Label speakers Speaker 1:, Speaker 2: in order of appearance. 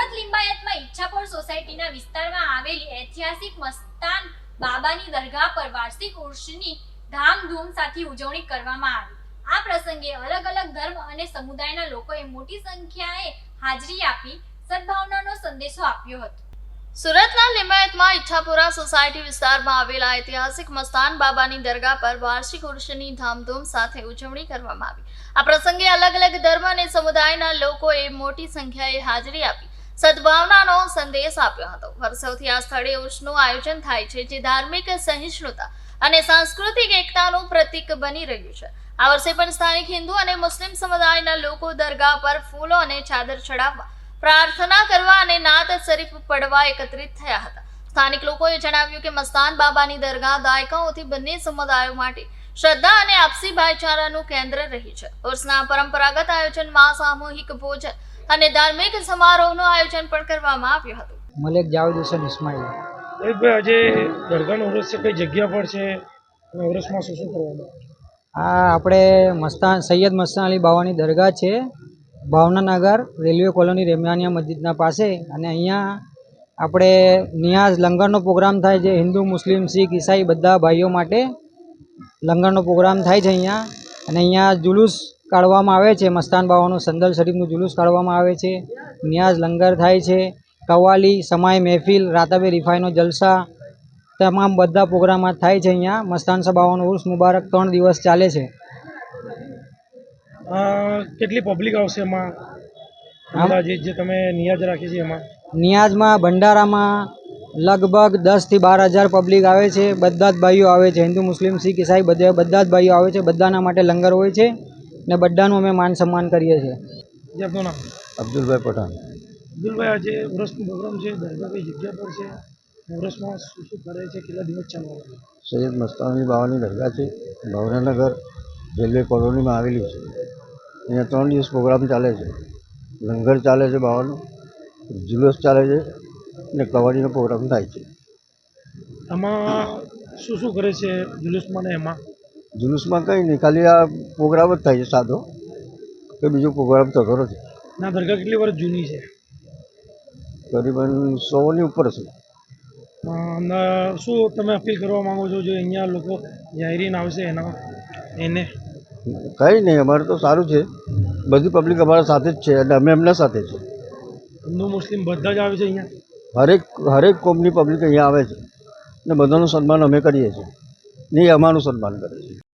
Speaker 1: સુરત લિંબાયતમાં ઈચ્છાપોર સોસાયટીના વિસ્તારમાં આવેલી ઐતિહાસિક મસ્તાન બાબાની દરગાહ પર વાર્ષિક ઉર્ષની ધામધૂમ સાથે ઉજવણી કરવામાં આવી। આ પ્રસંગે અલગ અલગ ધર્મ અને સમુદાયના લોકોએ મોટી સંખ્યાએ હાજરી આપી સદભાવનાનો સંદેશો આપ્યો હતો। સુરતના લિંબાયતમાં ઈચ્છાપુરા સોસાયટી વિસ્તારમાં આવેલા ઐતિહાસિક મસ્તાન બાબાની દરગાહ પર વાર્ષિક ઉર્ષની ધામધૂમ સાથે ઉજવણી કરવામાં આવી। આ પ્રસંગે અલગ અલગ ધર્મ અને સમુદાયના લોકોએ મોટી સંખ્યાએ હાજરી આપી સદભાવનાનો સંદેશ આપ્યો હતો। વર્ષોથી આ સ્થળે ઉર્ષનું આયોજન થાય છે, જે ધાર્મિક સહિષ્ણુતા અને સાંસ્કૃતિક એકતાનું પ્રતીક બની રહ્યું છે। આ વર્ષે પણ સ્થાનિક હિન્દુ અને મુસ્લિમ સમુદાયના લોકો દરગાહ પર ફૂલો અને ચાદર ચડાવવા, પ્રાર્થના કરવા અને નાત શરીફ પડવા એકત્રિત થયા હતા। સ્થાનિક લોકોએ જણાવ્યું કે મસ્તાન બાબાની દરગાહ દાયકાઓથી બંને સમુદાયો માટે શ્રદ્ધા અને આપસી ભાઈચારાનું કેન્દ્ર રહી છે। ઉર્ષના પરંપરાગત આયોજનમાં સામૂહિક ભોજન અને ધાર્મિક સમારોહનું આયોજન પણ કરવામાં આવ્યું હતું।
Speaker 2: મલેક જાવેદ હુસૈન ઇસ્માઇલ।
Speaker 3: ભાઈ આજે દરગાહનો ઉર્ષ છે, કઈ જગ્યા પર છે અને ઉર્ષમાં શું શું કરવાનું?
Speaker 2: આ આપણે મસ્તાન સૈયદ મસ્તાન અલી બાવાની દરગાહ છે, ભાવનાનગર રેલવે કોલોની રેમિયાનિયા મસ્જિદના પાસે। અને અહીંયા આપણે નિયાઝ લંગરનો પ્રોગ્રામ થાય છે। હિન્દુ, મુસ્લિમ, શીખ, ઈસાઈ બધા ભાઈઓ માટે લંગરનો પ્રોગ્રામ થાય છે અહીંયા। અને અહીંયા જુલુસ કાઢવામાં આવે છે, મસ્તાન બાવાનું સંદલ શરીફનું જુલુસ કાઢવામાં આવે છે। નિયાઝ લંગર થાય છે, કવાલી, સમાય મહેફિલ, રાતાબે રિફાઈનો જલસા, તમામ બધા પ્રોગ્રામ થાય છે અહીંયા। મસ્તાન બાવાનો ઉર્ષ મુબારક 3 દિવસ ચાલે છે।
Speaker 3: કેટલી પબ્લિક આવશે એમાં? અંદાજે જે તમે નિયાજ રાખી છે એમાં?
Speaker 2: નિયાઝમાં ભંડારામાં લગભગ 10 થી 12 હજાર પબ્લિક આવે છે। બધા જ ભાઈઓ આવે છે, હિન્દુ, મુસ્લિમ, શીખ, ઈસાઈ બધા જ ભાઈઓ આવે છે। બધાના માટે લંગર હોય છે ને બધાનું અમે માન સન્માન કરીએ છીએ।
Speaker 3: જે આપનું નામ?
Speaker 4: અબ્દુલભાઈ પઠાણ।
Speaker 3: અબ્દુલભાઈ, આજે ઉર્ષનો પ્રોગ્રામ છે, દરગાહ કઈ જગ્યા પર છે, ઉર્ષમાં શું શું કરે છે, કેટલા દિવસ ચાલવાનું?
Speaker 4: સૈયદ મસ્તાન અલી બાવાની દરગાહ છે, ભાવનાનગર રેલવે કોલોનીમાં આવેલી છે। અહીંયા 3 દિવસ પ્રોગ્રામ ચાલે છે। લંગર ચાલે છે, બાવાનું જુલુસ ચાલે છે અને કવાડીનો પ્રોગ્રામ થાય છે।
Speaker 3: આમાં શું શું કરે છે જુલુસમાં ને એમાં?
Speaker 4: જુલુસમાં કંઈ નહીં, ખાલી આ પ્રોગ્રામ જ થાય છે સાદો, કે બીજો પ્રોગ્રામ થતો નથી।
Speaker 3: ના, દરગાહ કેટલી વર્ષ જૂની છે?
Speaker 4: તકરીબન 100ની ઉપર છે।
Speaker 3: શું તમે અપીલ કરવા માંગો છો જો અહીંયા લોકો જાહેરીન આવશે એને?
Speaker 4: કંઈ નહીં, અમારે તો સારું છે, બધી પબ્લિક અમારા સાથે જ છે અને અમે એમના સાથે છે।
Speaker 3: હિન્દુ મુસ્લિમ બધા જ આવે છે અહીંયા?
Speaker 4: હરેક કોમની પબ્લિક અહીંયા આવે છે ને બધાનું સન્માન અમે કરીએ છીએ ને એ અમારું સન્માન કરે છે।